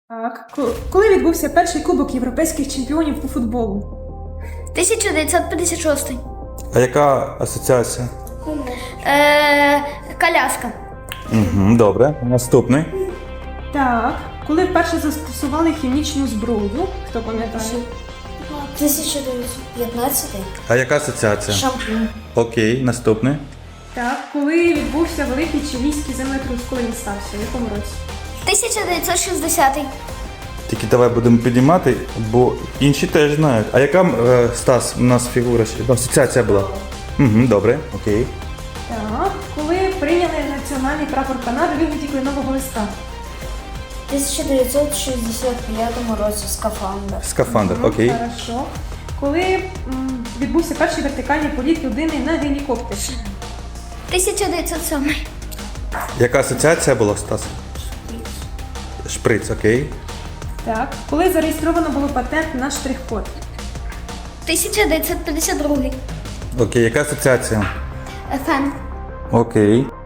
Так. Коли відбувся перший кубок європейських чемпіонів по футболу? 1956. А яка асоціація? Коляска. Угу, добре. Наступний. Так. Коли вперше застосували хімічну зброю? Хто пам'ятає? 1915. А яка асоціація? Шампунь. Окей, наступний. Так. Коли відбувся великий чилійський землетрус, коли він стався? В якому році? 1960. Тільки давай будемо піднімати, бо інші теж знають. А яка, Стас, у нас фігура, асоціація була? Угу, добре, окей. Так. Коли прийняли національний прапор Канади у вигляді кленового листа? В 1965 році скафандр. Скафандр, окей. Хорошо. Коли відбувся перший вертикальний політ людини на гелікоптері? 1907. Яка асоціація була, Стас? Шприц, окей. Так. Коли зареєстровано було патент на штрих-код? 1952. Окей, яка асоціація? ФМ. Окей.